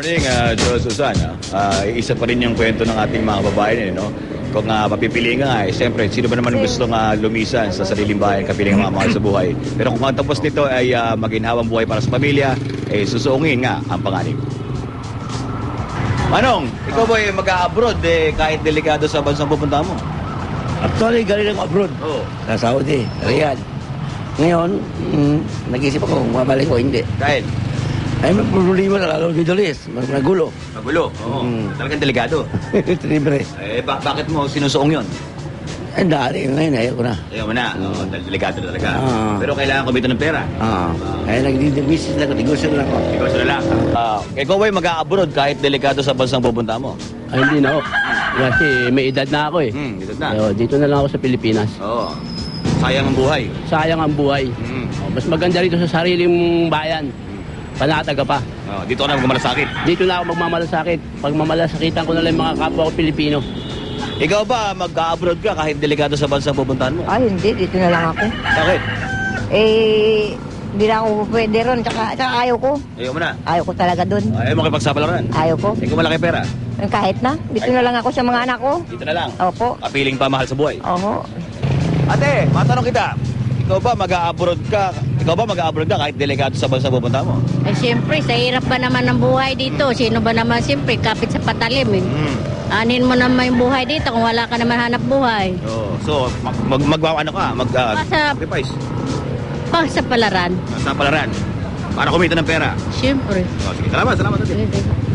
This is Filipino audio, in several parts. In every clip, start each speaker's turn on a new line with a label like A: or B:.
A: morning, Joel Susan. Isa pa rin yung kwento ng ating mga babae, no? Kung papipiliin ka siyempre, sino ba naman gustong lumisan sa sariling bayan, kapiling ang mga mahal sa buhay. Pero kung ang tapos nito ay maginhawang buhay para sa pamilya, susuungin nga ang panganib. Manong, ikaw ba mag-a-abroad kahit delikado sa bansang pupunta mo?
B: Actually, galing ako abroad.
A: Oo.
B: Sa Saudi, Riyadh. Ngayon, nag-isip ako kung mabalik ko, hindi.
A: Dahil?
B: Ay, may problema na lalo dito, Liz. Magulo.
A: Magulo? Oo. Talagang delikado.
B: Libre.
A: Bakit mo sinusuong yun?
B: Ay, dahil ngayon, ayaw ko na.
A: Ayaw mo na. Delikado talaga.
B: Oo.
A: Pero kailangan kumita ng pera.
B: Kaya nag-business lang ako, negosyo lang ako.
A: Negosyo na lang. Ikaw ba'y mag-a-abroad kahit delikado sa bansang pupunta mo?
C: Ay, hindi na ako. Kasi may edad na ako eh.
A: Edad na.
C: So, dito na lang ako sa Pilipinas.
A: Oo. Sayang ang buhay.
C: Sayang ang buhay. Mas maganda rito sa sariling bayan. Panataga pa.
A: Dito ka na magmamalasakit.
C: Dito na ako magmamalasakit. Pag mamalasakitan ko na lang yung mga kapwa ko Pilipino.
A: Ikaw ba mag-a-abroad ka kahit delikado sa bansang pupuntahan mo?
D: Ay, hindi. Dito na lang ako.
A: Bakit?
D: Hindi na ako pwede ron. Tsaka ayaw ko.
A: Ayaw mo na.
D: Ayaw ko talaga dun.
A: Ayaw mo kipagsapalaran.
D: Ayaw ko.
A: Ikaw malaki pera.
D: Kahit na. Dito na lang ako sa mga anak ko.
A: Dito na lang.
D: Opo.
A: Kapiling pa mahal sa buhay.
D: Oho.
A: Ate, matanong kita. Ikaw ba mag-a-abroad ka? Ikaw ba mag-a-abroad ka kahit delikado sa bansang pupunta mo?
E: Eh, siyempre, sa hirap ba naman ng buhay dito? Sino ba naman, siyempre, kapit sa patalim eh. Anin mo naman yung buhay dito kung wala ka naman hanap buhay.
A: So, sacrifice
E: Sa palaran.
A: sa palaran para kumita ng pera.
E: Siyempre.
A: Sige, salamat ate.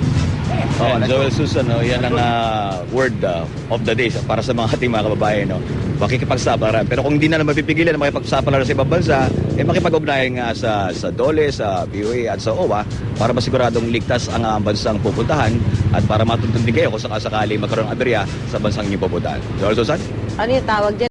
A: Joel Susan, yan ang word of the day para sa mga ating mga kababayan. Makikipagsapalaran. Pero kung hindi na mapipigilan na makipagsapalaran sa ibang bansa, makipag-ugnayan nga sa DOLE, sa BOA at sa OWA para masiguradong ligtas ang bansang pupuntahan at para matuntun din kayo kung sakasakali magkaroon ng aberya sa bansang inyong pupuntahan. Joel Susan?
D: Ano yung tawag dyan?